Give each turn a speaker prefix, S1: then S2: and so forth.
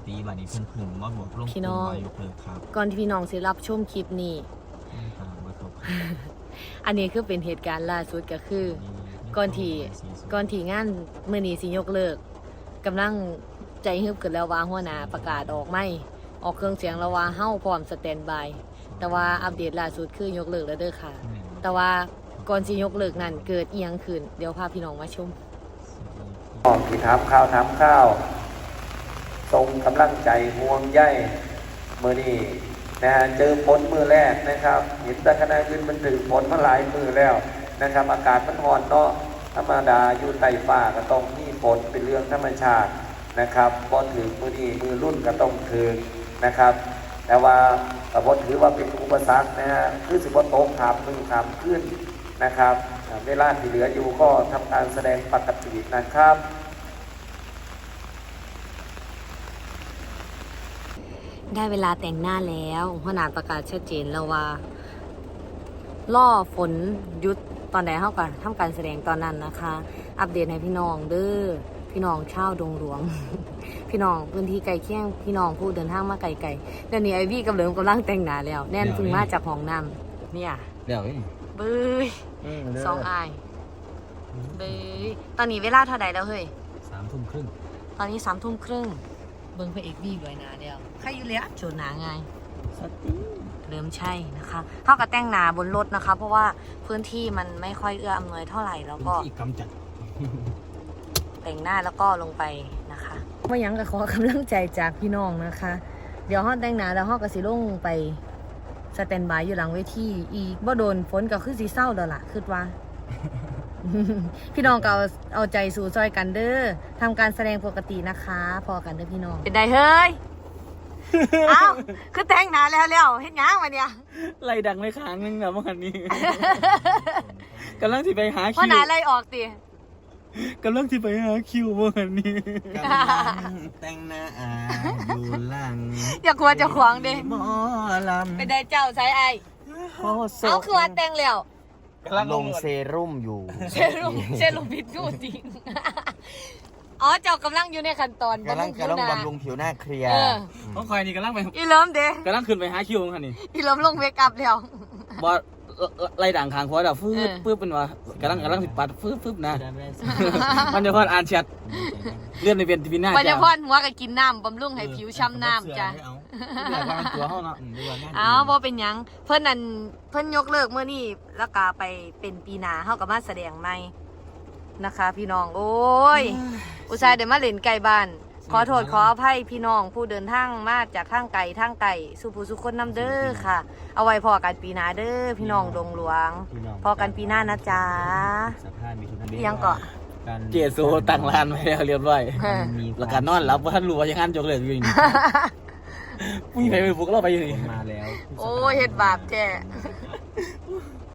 S1: ตีบัดนี้เพิ่งมาบอกลง
S2: พี่น้อง
S1: วายกเลิกครับ
S2: ก่อนที่พี่น้องสิรับชมคลิปนี้
S1: บ่ตก
S2: อันนี้คือเป็นเหตุการณ์ล่าสุดก็คือ ก่อนที่งานมื้อนี้สิยกเลิกกำลังใจฮึบขึ้นแล้วว่าหัวหน้าประกาศออกไม่ออกเครื่องเสียงแล้วว่าเฮาพร้อมสแตนบายแต่ว่าอัปเดตล่าสุดคือยกเลิกแล้วเด้อค่ะ แต่ว่าก่อนสิยกเลิกนั้นเกิดอีหยังขึ้นเดี๋ยวพาพี่น้องมาชม
S3: ที่ถามข้าวส่งกำลังใจห่วงใยมือนี้นะฮะเจอฝนมือแรกนะครับเห็นแต่ขณะขึ้นมันถึงฝนมาหลายมือแล้วนะครับอากาศมันร้อนเนาะธรรมดาอยู่ใต้ฟ้าก็ต้องมีฝนเป็นเรื่องธรรมชาตินะครับพอถึงมือนี้มือรุ่นก็ต้องถึงนะครับแต่ว่าก็บ่ถือว่าเป็นอุปสรรคนะฮะคือสิบ่ตกถามมือถามขึ้นนะครับเวลาที่เหลืออยู่ก็ทำการแสดงปกตินะครับ
S2: ได้เวลาแต่งหน้าแล้วหัวหน้าประกาศชัดเจนแล้วว่าล่อฝนหยุดตอนไหนเท่ากันทำการแสดงตอนนั้นนะคะ อัปเดตให้พี่น้องเด้อพี่น้องชาวดงหลวง พี่น้องพื้นที่ไกลเคียงพี่น้องผู้เดินทางมาไกลๆเดี๋ยวนี้ไอวี่กับเหลิมกำลังแต่งหน้าแล้วแน่นเพึ่งมาจากห้องน้ำเนี่ย
S1: เดี๋ยว
S2: เบ้ยสองอายเบ้ยตอนนี้เวลาเท่าไหร่แล้วเฮ้ย
S1: 3 ทุ่มครึ่ง
S2: ตอนนี้3 ทุ่มครึ่งเบิ้งพระเอกวี่ด้วยนะเดียวใครอยู่แล้วโจทย์หนาไง
S1: สติ
S2: เริ่มใช่นะคะเข้ากับแต่งหนาบนรถนะคะ เพราะว่าพื้นที่มันไม่ค่อยเอื้ออำนวยเท่าไหร่แล้วก็
S1: ที่กำจัด
S2: แต่งหน้าแล้วก็ลงไปนะคะว่ายังก็ขอกำลังใจจากพี่น้องนะคะ เดี๋ยวห้องแต่งหน้าแล้วห้องก็สิลงไปสแตนบายอยู่หลังเวทีอีกบ่โดนฝนก็คือสีเศร้าแล้วล่ะคิดว่า พี่น้องก็เอาใจสู่ซอยกันเด้อทำการแสดงปกตินะคะพอกันเด้อพี่น้องเป็นไดเฮ้ย เอ้าคือแต่งหน้าแล้วเฮ็ดหยังวะเนี่ย
S4: ไล่ดังเลยค้างนึงนะเมื่อวานนี้ กำลังที่ไปหา
S2: เพราะ
S4: คิว
S2: หน้าไล่ออกติ
S4: กำลังที่ไปหาคิวเมื่อวานนี้
S1: กำลังแต่งหน้าอยู่หลัง
S2: อย่ากลัวจะขวางเด้
S1: หมอลำ
S2: เป็นไดเจ้าใช้ไอเอาคือว่าแต่งแล้ว
S1: ลงเซรุ่มอยู่
S2: เชลุพิษกูจริง อ๋อเจ้ากำลังอยู่ในขั้นตอน
S1: กำลัง
S2: ผิวหน้า
S1: บำรุงผิวหน้าเคลียร์
S2: เออ
S4: ต้องคอยนี่กำลังไป
S2: อีเลิมเด้
S4: กำลังขึ้นไปหาคิวเมื่อวานนี้
S2: อีเลิมลงเวกอัพแล้ว
S4: บอไล่ดังค้างเพราะแบบฟืบ
S2: เออ
S4: ฟืบเป็นว่ากำลังสิปัดฟืบนะ มันจะพออ่านแชทเลื่อนในเป็นทีวีหน้า
S2: ปัญญา
S4: จ้า
S2: พรหัวก็กินน้ำบำรุงให้ผิวช้ำน้ำจ้ะ
S4: เดี๋ยวว่าตัวห้องเนาะ
S2: อ้าวบ่เป็นหยัง เพิ่นนั่นเพิ่นยกเลิกเมื่อนี้แล้วก็ไปเป็นปีหน้าเฮาก็มาแสดงใหม่นะคะ พี่น้องโอ้ย อุตส่าห์ได้มาเล่นไกลบ้าน ขอโทษขออภัยพี่น้องผู้เดินทางมาจากทางไกลสุภูสุคนน้ำเด้อค่ะ เอาไว้พอกันปีหน้าเด้อพี่น้องดงหลวง พอกันปีหน้านะจ๊ะ
S1: สภาพมีทุน
S2: อิหยังเกาะ
S4: เจโซตั้งร้านไว้แล้วเรียบร้อย
S1: มี
S4: แล้วก็นอนหลับว่าท่านรู้ว่ายังงั้นจกเลยอยู่นี่ผู้หญิงไปบุกเราไปอยู่นี่
S1: มาแล้ว
S2: โอ้ยเฮ็ดบาปแท้